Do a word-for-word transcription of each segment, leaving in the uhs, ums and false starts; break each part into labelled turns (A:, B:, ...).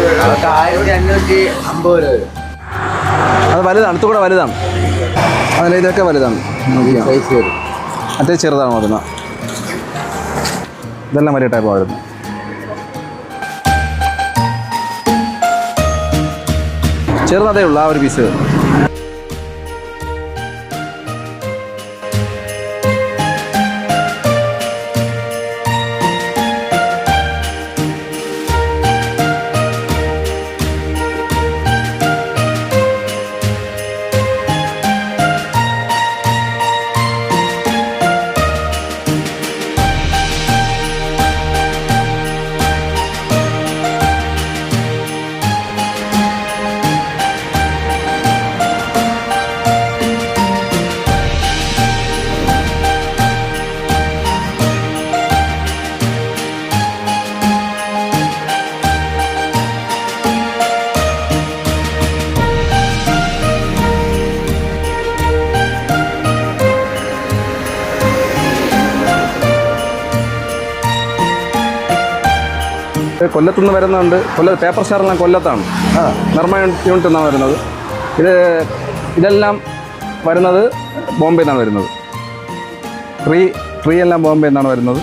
A: ആയിരത്തി അഞ്ഞൂറ്റി അമ്പത് രൂപ.
B: അത് വലുതാണ്, ഇത്തുകൂടെ വലുതാണ്. അതിൽ ഇതൊക്കെ വലുതാണ്.
A: സൈസ് വരും.
B: മറ്റേ ചെറുതാണ് വരുന്നത്. ഇതെല്ലാം വലിയ ടൈപ്പാണ് വരുന്നത്. ചെറുതേ ഉള്ളൂ ആ ഒരു പീസ്. കൊല്ലത്തുനിന്ന് വരുന്നുണ്ട്. കൊല്ല പേപ്പർ സ്റ്റാറെല്ലാം കൊല്ലത്താണ്. ആ നിർമ്മ യൂണിറ്റ് എന്നാണ് വരുന്നത്. ഇത് ഇതെല്ലാം വരുന്നത് ബോംബെ നിന്നാണ് വരുന്നത്. ട്രീ ട്രീ എല്ലാം ബോംബെ നിന്നാണ് വരുന്നത്.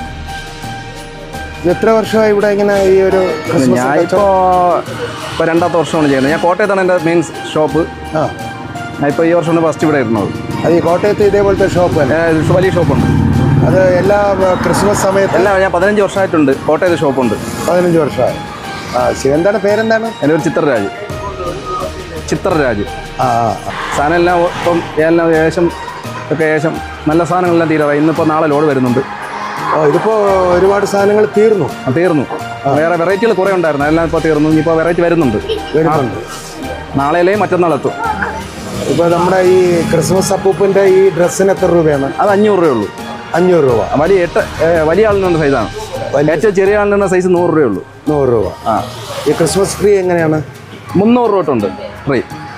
C: എത്ര വർഷമായി ഇവിടെ ഇങ്ങനെ ഈ ഒരു?
B: ഞാനിപ്പോൾ ഇപ്പോൾ രണ്ടാമത്തെ വർഷമാണ് ചെയ്യുന്നത്. ഞാൻ കോട്ടയത്താണ് എൻ്റെ മെയിൻ ഷോപ്പ്.
C: ആ
B: ഞാൻ ഇപ്പോൾ ഈ വർഷമാണ് ഫസ്റ്റ് ഇവിടെ ഇരുന്നത്.
C: അത് ഈ കോട്ടയത്ത് ഇതേപോലത്തെ ഷോപ്പ്
B: വലിയ ഷോപ്പുണ്ട്.
C: അത് എല്ലാ ക്രിസ്മസ് സമയത്ത്
B: എല്ലാം ഞാൻ പതിനഞ്ച് വർഷമായിട്ടുണ്ട് കോട്ടയത്ത് ഷോപ്പുണ്ട്.
C: പതിനഞ്ച് വർഷമായി. ആ ശരി. എന്താണ് പേരെന്താണ്?
B: എൻ്റെ ഒരു ചിത്രരാജ്. ചിത്രരാജ്.
C: ആ
B: സാധനം എല്ലാം ഇപ്പം എല്ലാം ഏകദേശം ഒക്കെ ഏകദേശം നല്ല സാധനങ്ങളെല്ലാം തീരാറായി. ഇന്നിപ്പോൾ നാളെ ലോഡ് വരുന്നുണ്ട്.
C: ഓ ഇതിപ്പോൾ ഒരുപാട് സാധനങ്ങൾ തീർന്നു.
B: തീർന്നു. വേറെ വെറൈറ്റികൾ കുറേ ഉണ്ടായിരുന്നു. എല്ലാം ഇപ്പോൾ തീർന്നു. ഇനിയിപ്പോൾ വെറൈറ്റി വരുന്നുണ്ട്.
C: വരുന്നുണ്ട്.
B: നാളെയല്ലേ മറ്റന്നാളെത്തും.
C: ഇപ്പോൾ നമ്മുടെ ഈ ക്രിസ്മസ് അപ്പൂപ്പിൻ്റെ ഈ ഡ്രസ്സിന് എത്ര രൂപയാണ്?
B: അത് അഞ്ഞൂറ് രൂപ ഉള്ളൂ.
C: അഞ്ഞൂറ് രൂപ.
B: വലിയ എട്ട് വലിയ ആളിനുള്ള സൈസാണ്. ഏറ്റവും ചെറിയ ആളിനുള്ള സൈസ് നൂറ് രൂപയേ ഉള്ളൂ.
C: നൂറ് രൂപ. ആ ഈ ക്രിസ്മസ് ട്രീ എങ്ങനെയാണ്?
B: മുന്നൂറ് രൂപ തൊട്ടുണ്ട് ട്രീ.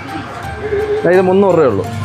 B: ഇത് മുന്നൂറ് രൂപയേ ഉള്ളൂ.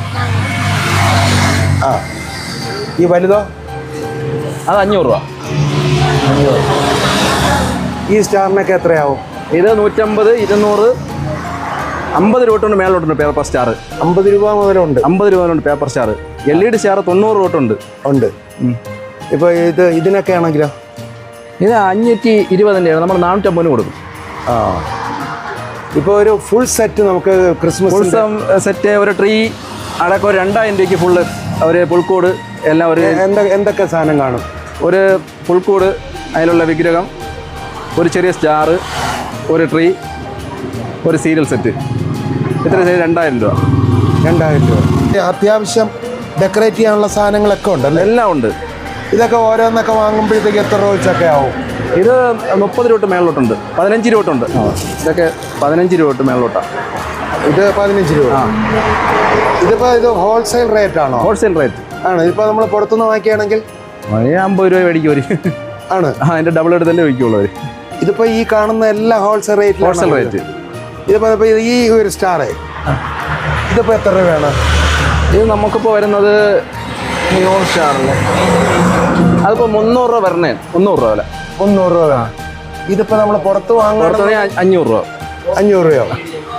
C: ആ ഈ വലുതോ?
B: അത് അഞ്ഞൂറ് രൂപ.
C: അഞ്ഞൂറ്. ഈ സ്റ്റാറിനൊക്കെ എത്രയാവും?
B: ഇത് നൂറ്റമ്പത്, ഇരുന്നൂറ്, അമ്പത് രൂപ തൊട്ടുണ്ട് മേലോട്ടുണ്ട് പേപ്പർ സ്റ്റാർ.
C: അമ്പത് രൂപ മുതലുണ്ട്.
B: അമ്പത് രൂപ മുതലുണ്ട് paper star. L E D star തൊണ്ണൂറ് രൂപ തൊട്ടുണ്ട്.
C: ഉണ്ട്. ഇപ്പോൾ ഇത് ഇതിനൊക്കെ ആണെങ്കിലോ?
B: ഇത് അഞ്ഞൂറ്റി ഇരുപതിൻ്റെയാണ്. നമ്മൾ നാനൂറ്റമ്പതിന് കൊടുക്കും.
C: ആ ഇപ്പോൾ ഒരു ഫുൾ സെറ്റ് നമുക്ക് ക്രിസ്മസ്
B: ഫുൾ സെറ്റ് ഒരു ട്രീ അടക്കം ഒരു രണ്ടായിരം രൂപയ്ക്ക് ഫുള്ള് ഒരു പുൽക്കൂട് എല്ലാം ഒരു
C: എന്താ എന്തൊക്കെ സാധനം കാണും?
B: ഒരു പുൽക്കൂട്, അതിലുള്ള വിഗ്രഹം, ഒരു ചെറിയ സ്റ്റാർ, ഒരു ട്രീ, ഒരു സീരിയൽ സെറ്റ്. ഇത്ര രണ്ടായിരം രൂപ.
C: രണ്ടായിരം രൂപ. അത്യാവശ്യം ഡെക്കറേറ്റ് ചെയ്യാനുള്ള സാധനങ്ങളൊക്കെ ഉണ്ടല്ലോ?
B: എല്ലാം ഉണ്ട്.
C: ഇതൊക്കെ ഓരോന്നൊക്കെ വാങ്ങുമ്പോഴത്തേക്ക് എത്ര രൂപ വെച്ചൊക്കെ ആവും?
B: ഇത് മുപ്പത് രൂപ തൊട്ട് മേളിലോട്ടുണ്ട്. പതിനഞ്ച് രൂപ തൊട്ടുണ്ട്. ഇതൊക്കെ പതിനഞ്ച് രൂപ തൊട്ട് മേളിലോട്ടാണ്.
C: ഇത് പതിനഞ്ച് രൂപ. ആ ഇതിപ്പോൾ ഇത് ഹോൾസെയിൽ റേറ്റ് ആണോ?
B: ഹോൾസെയിൽ റേറ്റ്
C: ആണ്. ഇതിപ്പോൾ നമ്മൾ പുറത്തുനിന്ന് വാങ്ങിക്കുകയാണെങ്കിൽ
B: അമ്പത് രൂപ മേടിക്കും അവർ. ആണ്. ആ അതിൻ്റെ ഡബിൾ എടുത്തല്ലേ മേടിക്കുള്ളൂ അവർ.
C: ഇതിപ്പോൾ ഈ കാണുന്ന എല്ലാ ഹോൾസെയിൽ റേറ്റ്.
B: Wholesale rate.
C: ഇതിപ്പോൾ ഇപ്പോൾ ഈ ഒരു സ്റ്റാറേ ഇതിപ്പോൾ എത്ര രൂപയാണ്?
B: ഇത് നമുക്കിപ്പോൾ വരുന്നത് ന്യൂൺ സ്റ്റാറിൽ അതിപ്പോൾ മുന്നൂറ് രൂപ വരണേ. മുന്നൂറ് രൂപ വില.
C: മുന്നൂറ് രൂപ. ഇതിപ്പോൾ നമ്മൾ പുറത്ത് വാങ്ങുകയാണെങ്കിൽ
B: അഞ്ഞൂറ് രൂപ.
C: അഞ്ഞൂറ് രൂപ.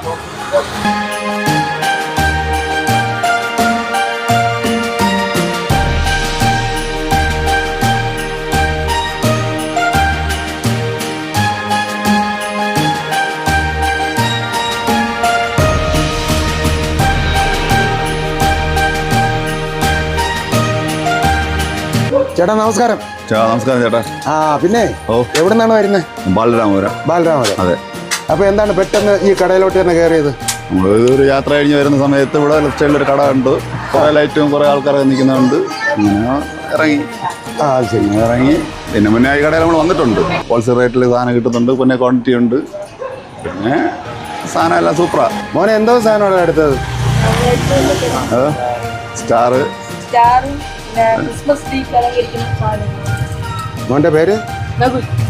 C: ചേട്ടാ നമസ്കാരം.
D: നമസ്കാരം ചേട്ടാ.
C: ആ പിന്നെ എവിടെ നിന്നാണ് വരുന്നത്?
D: ബാലരാമപുരം.
C: ബാലരാമപുരം.
D: അതെ.
C: അപ്പോൾ എന്താണ് പെട്ടെന്ന് ഈ കടയിലോട്ട് തന്നെ കയറിയത്?
D: നമ്മൾ ഒരു യാത്ര കഴിഞ്ഞ് വരുന്ന സമയത്ത് ഇവിടെ ലെഫ്റ്റ് സൈഡിലൊരു കട ഉണ്ട്. കുറേ ലൈറ്റും കുറേ ആൾക്കാരൊക്കെ നിൽക്കുന്നുണ്ട്. അങ്ങനെ ഇറങ്ങി.
C: ആ ശരി.
D: ഇറങ്ങി. പിന്നെ മുന്നേ ഈ കടയിൽ നമ്മൾ വന്നിട്ടുണ്ട്. ഹോൾസെയിൽ റേറ്റിൽ സാധനം കിട്ടുന്നുണ്ട്. പിന്നെ ക്വാണ്ടിറ്റി ഉണ്ട്. പിന്നെ സാധനം എല്ലാം സൂപ്പറാണ്.
C: മോനെ എന്തോ സാധനമാണ് എടുത്തത്?
D: സ്റ്റാർ.
E: Christmas tree.
C: മോൻ്റെ പേര്?